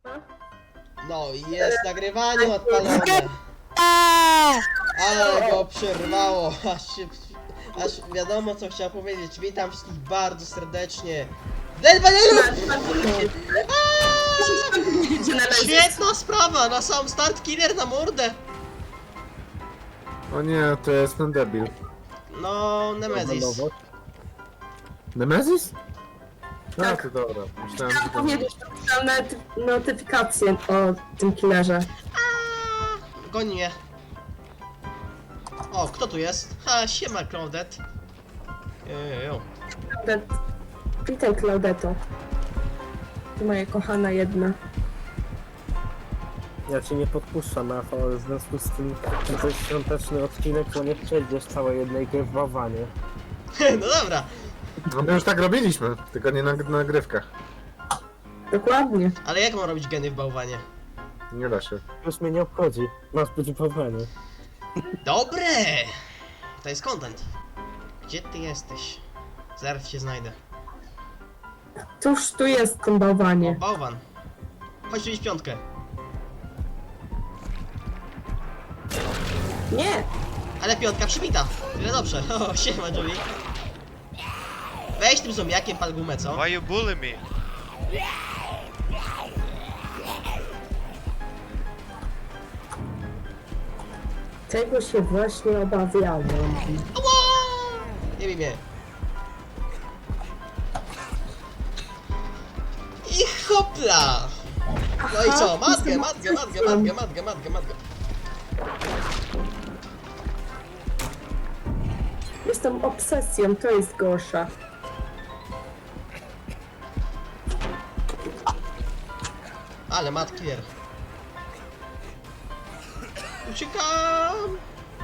No i jest nagrywanie odpalone. Ale go przerwało. Aż wiadomo co chciał powiedzieć. Witam wszystkich bardzo serdecznie. Świetna sprawa, na sam start killer na mordę. O nie, to jest ten debil. No, Nemesis. Nemesis? No Tak. to dobra. Myślałem, Chciałam że to... powiedzieć, że pisałem notyfikację o tym killerze. Goni mnie. O, kto tu jest? Ha, siema Claudette. Jojojo. Witaj, Claudetto. Ty moja kochana jedna. Ja cię nie podpuszczam, Rafał, ale w związku z tym, że to jest świąteczny odcinek, to nie przejdziesz całej jednej gry w bałwanie. No dobra. No my już tak robiliśmy, tylko nie na nagrywkach. Dokładnie. Ale jak mam robić geny w bałwanie? Nie da się. Już mnie nie obchodzi, masz być w bałwanie. Dobre! To jest content. Gdzie ty jesteś? Zaraz cię znajdę. Cóż tu jest w tym O, bałwanie? bałwan. Chodź tu iść piątkę. Nie! Ale piątka przybita. Tyle dobrze. O, siema Julie. Weź tym zombiakiem pal gumę, co? Why you bully me? Tego się właśnie obawiałem. Ała! Nie bij mnie. I hopla! No i co? Matkę. Jestem obsesją, to jest gorsza. Ale matkier. Uciekam!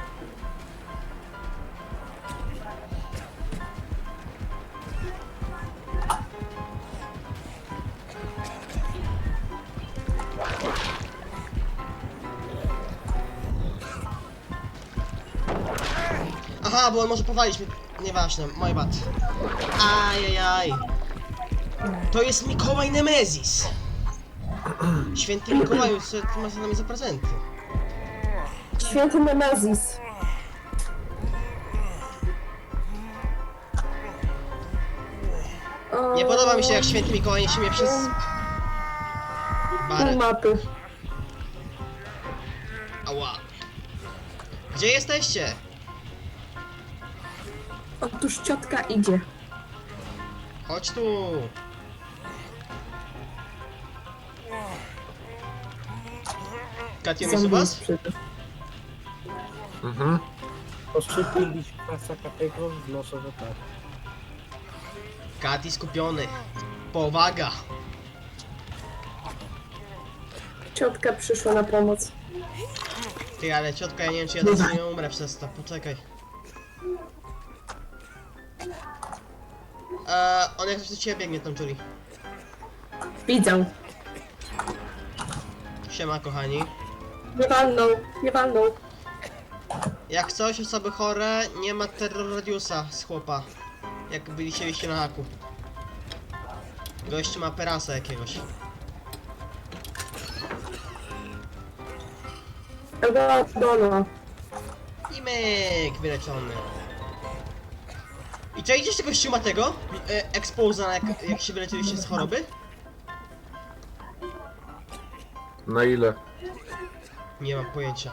Aha, bo on może powalić mnie. Nieważne, mój bad. Ajajaj. To jest Mikołaj Nemesis. Święty Mikołaju, co ty masz za nami za prezenty? Święty Nemesis. O, Nie podoba mi się jak święty Mikołaj niesie mnie przez... pół barę. mapy. Ała. Gdzie jesteście? Otóż ciotka idzie. Chodź tu. Katio, mnie Zombie was? przyjdzie. Mhm. Poszczypiliś klasa Katego? Wnoszę, że tak. Kati skupiony. Powaga. Ciotka przyszła na pomoc. Ty, ale ciotka, ja nie wiem czy ja teraz nie umrę przez to. Poczekaj. On jak coś do ciebie biegnie tam, Julie. Widzę. Siema, kochani. Nie walnął, nie walnął. Jak coś, osoby chore, nie ma terror radiusa z chłopa. Jak byliście na haku. Gość ma perasa jakiegoś. Dona. I myk wyleczony. I czy idziesz tego ściumatego? Exposa, jak się wyleczyliście z choroby? Na ile? Nie mam pojęcia.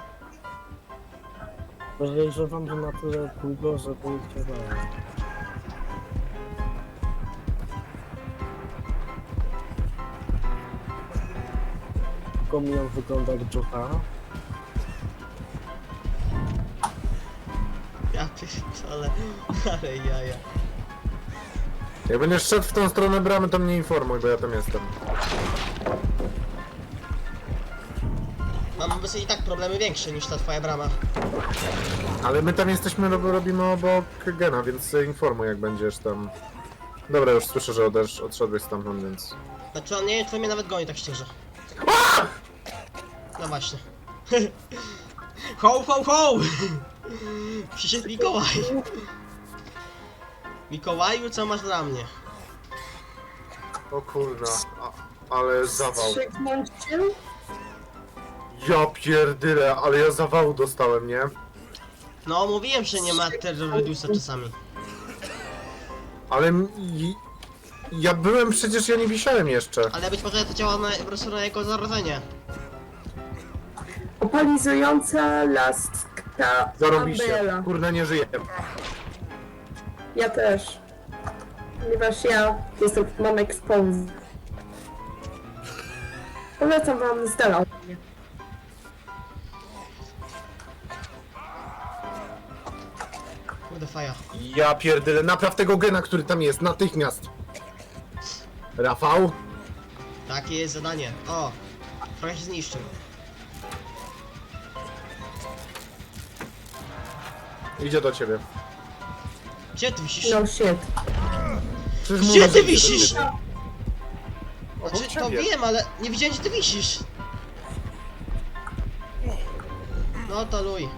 Podejrzewam, że na tyle długo, żeby działało. Komion wygląda jak Jota. Ja pierdolę, ale jaja. Jak będziesz szedł w tą stronę bramy, to mnie informuj, bo ja tam jestem. Mam obecnie i tak problemy większe niż ta twoja brama. Ale my tam jesteśmy, robimy obok Gena, więc informuj jak będziesz tam. Dobra, już słyszę, że odszedłeś stamtąd, więc... Znaczy on nie wiem, czy mnie nawet goni tak szczerze. No właśnie. Ho, ho, ho! Przyszedł Mikołaj. Mikołaju, co masz dla mnie? O kurwa. ale zawał. Wstrzyknąć się? Ja pierdyle, ale ja zawału dostałem, nie? No, mówiłem, że nie ma terror redusa czasami. Ale ja byłem przecież, ja nie wisiałem jeszcze. Ale być może to działa po prostu na jego zarodzenie. Opalizująca laska Zarobiście. Abela. Kurde, nie żyję. Ja też. Ponieważ ja mam expose. Polecam wam z dala od mnie. Kurde, faja. Ja pierdyle, napraw tego gena, który tam jest, natychmiast. Rafał? Takie jest zadanie. O, trochę się zniszczył. Idzie do ciebie. Gdzie ty wisisz? No shit. Przecież Gdzie mówię, ty że idzie do wisisz? ciebie. Znaczy, to ciebie. wiem, ale nie widziałem, gdzie ty wisisz. No to luj.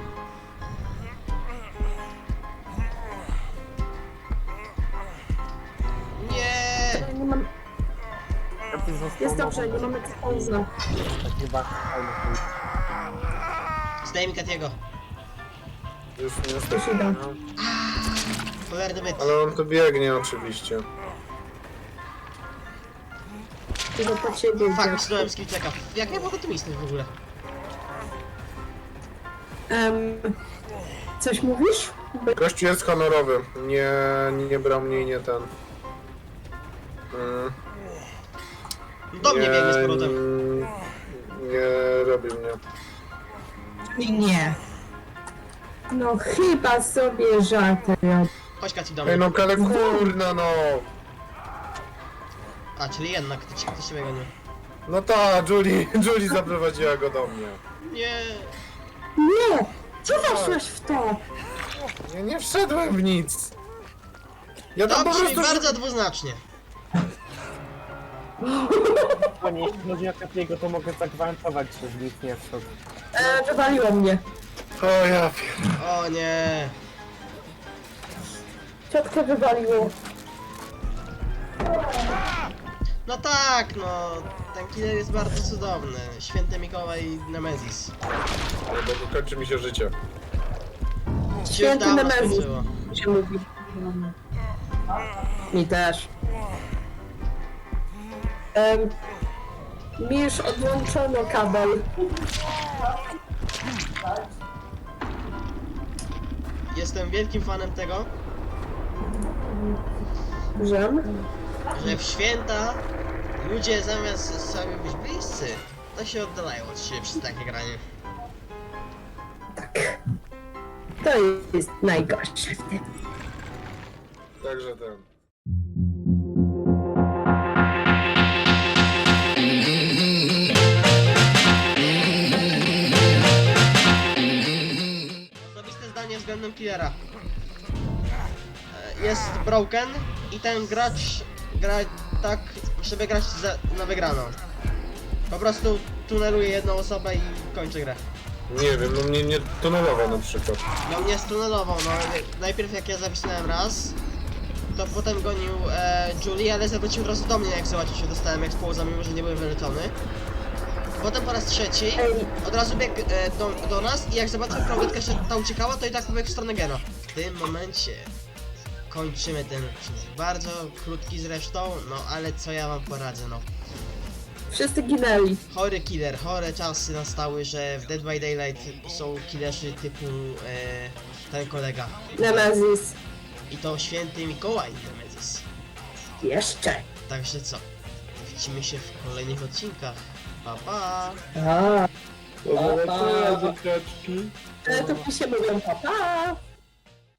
Nie. Nie mam... Ja tu został Jest dobrze, nie nowy, mam expose'a. taki bardzo fajny film. Zdaj mi Katiego. Już nie Już jesteś. idę. No. Cholerny byt. Ale on tu biegnie oczywiście. Idę po ciebie. Fuck, dziadku. myślałem z Kilczeka. Jak ja mogę tu istnieć w ogóle? Coś mówisz? Gościu jest honorowy. Nie brał mnie i nie ten. Do mnie biegnie z powrotem. Nie robi mnie. Nie. No chyba sobie żarty robię. Chodź Kaci do Ej mnie. no ale kurna no! A, czyli jednak ktoś ciebie gonił. No ta, Julie zaprowadziła go do mnie. Nie. Nie! Co weszłeś w to? Ja nie wszedłem w nic. Ja tam To po brzmi prostu... bardzo dwuznacznie. Panie, jeśli chodzi o Kapiego, to mogę zagwarantować, że z nic nie wszedł. Wywaliło mnie. O ja pier... O nie. Ciotkę wywaliło. No tak, no. Ten killer jest bardzo cudowny. Święty Mikołaj Nemezis. Ale bo kończy mi się życie. Ci Święty już dawno Nemezis. skończyło. Się mówi. Mi też. Mi już odłączono kabel. Jestem wielkim fanem tego, Żem? że w święta ludzie zamiast sobie być bliscy, to się oddalają od siebie przez takie granie. To jest najgorsze w tym. Także ten... Osobiste zdanie względem killera. Jest broken i ten gracz gra tak, żeby grać na wygraną. Po prostu tuneluje jedną osobę i kończy grę. Nie wiem, no mnie nie tunelował na przykład. No mnie stunelował, no najpierw jak ja zawisnąłem raz, to potem gonił Julie, ale zawrócił od razu do mnie, jak zobaczył, że dostałem exposa, mimo że nie byłem wyleczony. Potem po raz trzeci od razu biegł do nas i jak zobaczył Klaudytkę, że ta uciekała, to i tak pobiegł w stronę Gena. W tym momencie kończymy ten odcinek. Bardzo krótki zresztą, no ale co ja wam poradzę, no. Wszyscy ginęli. Chory killer, chore czasy nastały, że w Dead by Daylight są killerzy typu ten kolega. Nemezis. I to święty Mikołaj Nemezis. Jeszcze. Także co? Widzimy się w kolejnych odcinkach. Pa pa! A, Dobra, Pa, pa. dzieciaczki. to mi się mówią papa.